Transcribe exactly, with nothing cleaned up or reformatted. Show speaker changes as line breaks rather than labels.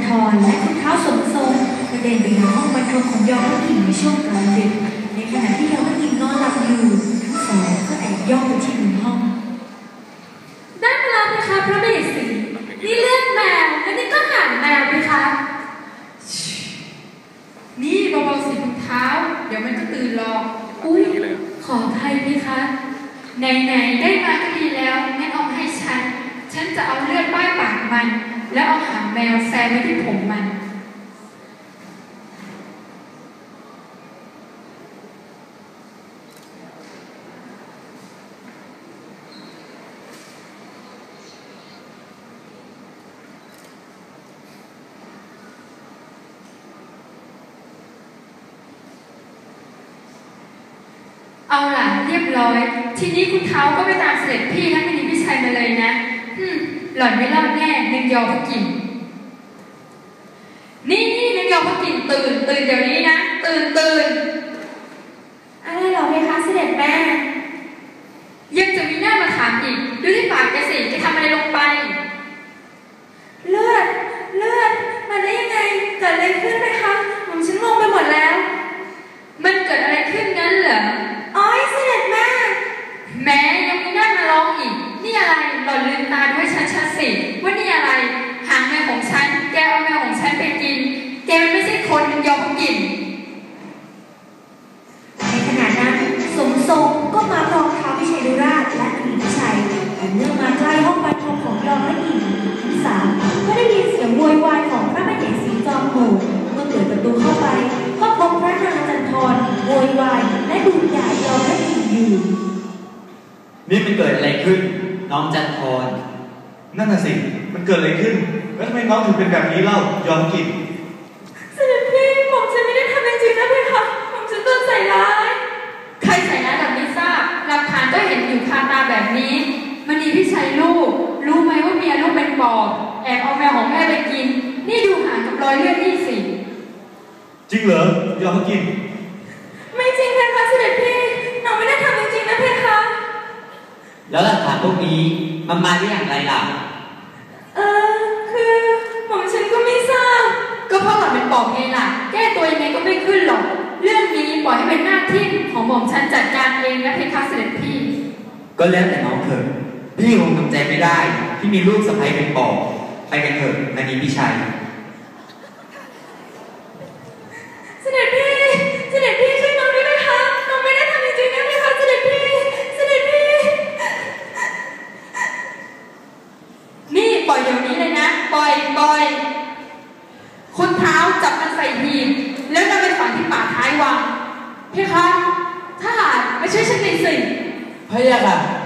รและคุณเท้าสมทรงกระเด็นไปยังห้องบรรทมของยอมพระกิ่งในช่วงกลางดึกในขณะที่ยอมพระกิ่งนอนหลับอยู่ทั้งสองก็แอบย่องไปที่มุมห้อง
ได้เวลาไหมคะพระเบสีนี่เลือดแมวและนี่ก็หางแมวไหมคะนี่เบาๆสิคุณเท้าเดี๋ยวมันก็ตื่นหรอกอุ้ยขออภัยไหมคะไหนๆได้มาก็ดีแล้วงั้นเอาให้ฉันฉันจะเอาเลือดป้ายปากมันแล้วเอาหางแมวแซมไว้ที่ผมมันเอาล่ะเรียบร้อยทีนี้คุณเท้าก็ไปตามเสด็จพี่ทั้งมินิพิชัยมาเลยนะฮึมหล่อนไม่รอดแน่นึงยอพระกิ่งนี่นี่นึงยอพระกิ่งตื่นตื่นเดี๋ยวนี้นะตื่นตื่น
อะไรหรอเพคะเสด็จแม่
ยังจะมีหน้ามาถามอีกดูที่ปากแกสิจะทำอะไรลงไป
เลือดเลือดมาได้ยังไงเกิดอะไรขึ้นไหมคะผมฉันงงไปหมดแล้ว
มันเกิดอะไรขึ้นงั้นเหรอ
อ๋อเสด็จแม่
แม้ยังมีหน้ามาร้องอีกนี่อะไรหล่อนลืมตาด้วยฉันชัดสิว่านี่อะไรหางแมวของฉันแกเอาแมวของฉันไปกินแกมันไม่ใช่คนมันยอมกิน
ในขณะนั้นสมทรงก็มาพร้อมท้าวพิชัยดุราชและอดีตพิชัยแต่เมื่อมาใกล้ห้องบรรทมของยอมพระกิ่งทั้งสามก็ได้ยินเสียงโวยวายของพระมเหสีจอมโหดเมื่อเปิดประตูเข้าไปก็พบพระนางจันทรโวยวายและดูหย่ายอมพระกิ่งอยู่
นี่มันเกิดอะไรขึ้นน้องจันทร
นั่นน่ะสิมันเกิดอะไรขึ้นแล้วทำไมน้องถึงเป็นแบบนี้เล่ายอมกิน
เสด็จพี่ผมฉันไม่ได้ทำจริงๆนะพี่คะผมฉันโดนใส่ร้าย
ใครใส่ร้ายแบบไม่ทราบหลักฐานก็เห็นอยู่คาตาแบบนี้มณีพิชัยลูกรู้ไหมว่าเมียลูกเป็นปอบแอบเอาแมวของแม่ไปกินนี่ดูหางกับรอยเลือดนี่สิ
จริงเหรอยอมกิน
ไม่จริงเลยค่ะเสด็จพี่น้องไม่ได้ทำจริงๆนะพี่คะ
แล้วหลักฐานพวกนี้มันมาได้อย่างไรล่ะ
เออคือผมฉันก็ไม่ทราบ
ก็เพราะหล่อนเป็นปอบไงล่ะแก้ตัวยังไงก็ไม่ขึ้นหรอกเรื่องนี้ปล่อยให้เป็นหน้าที่ของหม่อมฉันจัดการเองนะเพคะเสด็จพี่
ก็แล้วแต่น้องเถอะพี่คงทำใจไม่ได้ที่มีลูกสะใภ้เป็นปอบไปกันเถอะนานีพี่ชัย
เสด็จพี่เสด็จพี่ช่วยน้องด้วยนะคะน้องไม่ได้ทำจริงๆนะนะคะเสด็จพี่เสด็จพี่
นี่ปล่อยเดี๋ยวนี้เลยนะปล่อยปล่อยคุณเท้าจับมันใส่หีบแล้วนำไปฝังที่ป่าท้ายวังเพคะถ้าหากไม่ช่วยฉันหน่อยสิ
พะยะค่ะ